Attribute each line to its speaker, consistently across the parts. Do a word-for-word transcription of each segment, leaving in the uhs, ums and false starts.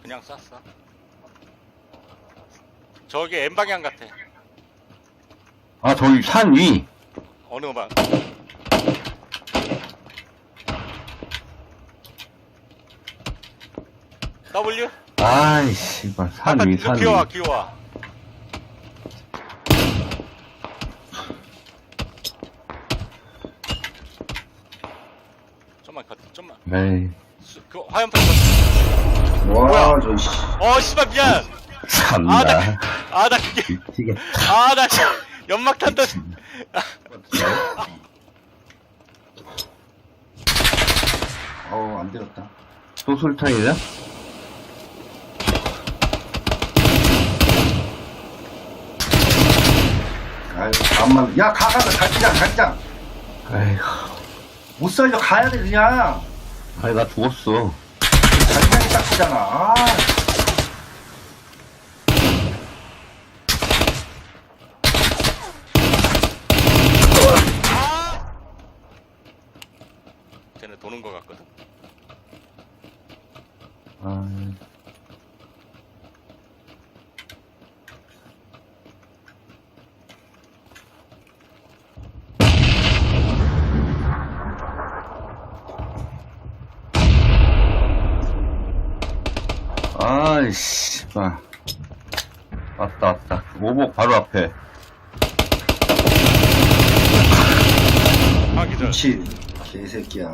Speaker 1: 그냥 쐈어. 저기 N방향 같아.
Speaker 2: 아, 저기 산 위.
Speaker 1: 어느 방? W?
Speaker 2: 아이, 씨발. 산
Speaker 1: 아까
Speaker 2: 위, 산 위.
Speaker 1: 기어와 기어와. 좀만 컷 좀만.
Speaker 2: 에이.
Speaker 1: 수, 그 화염탄 컷.
Speaker 3: 와,
Speaker 1: 뭐야?
Speaker 3: 저, 씨.
Speaker 1: 어 씨발 미안.
Speaker 2: 참나.
Speaker 1: 아 나 아 나 그게
Speaker 2: 미치겠다.
Speaker 1: 아 나 연막탄 던.
Speaker 3: 어우, 안 되었다.
Speaker 2: 또 술탄이냐?
Speaker 3: 아유, 암만. 야, 가, 가, 가, 갈기장, 갈기장.
Speaker 2: 아이고.
Speaker 3: 못 살려, 가야 돼, 그냥.
Speaker 2: 아니, 나 죽었어.
Speaker 3: 갈기장이 짝지잖아. 아.
Speaker 1: 쟤네 도는 거 같거든.
Speaker 2: 아. 아이씨, 아. 왔다, 왔다. 오복 바로 앞에.
Speaker 1: 아 기절.
Speaker 3: 그렇지. 개새끼야.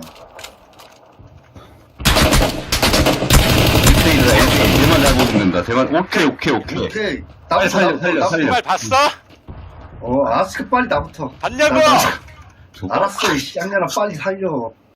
Speaker 2: 밑에 있다, 이렇게. 대만 잘 보는다. 대만, 오케이, 오케이, 오케이.
Speaker 3: 오케이.
Speaker 2: 빨리
Speaker 3: 나부터,
Speaker 2: 살려,
Speaker 3: 나부터,
Speaker 2: 살려,
Speaker 3: 나부터.
Speaker 2: 살려.
Speaker 1: 정말 봤어?
Speaker 3: 어, 알았어. 빨리 나부터.
Speaker 1: 봤냐고?
Speaker 3: 나, 나, 알았어, 이 쌍년아. 빨리 살려.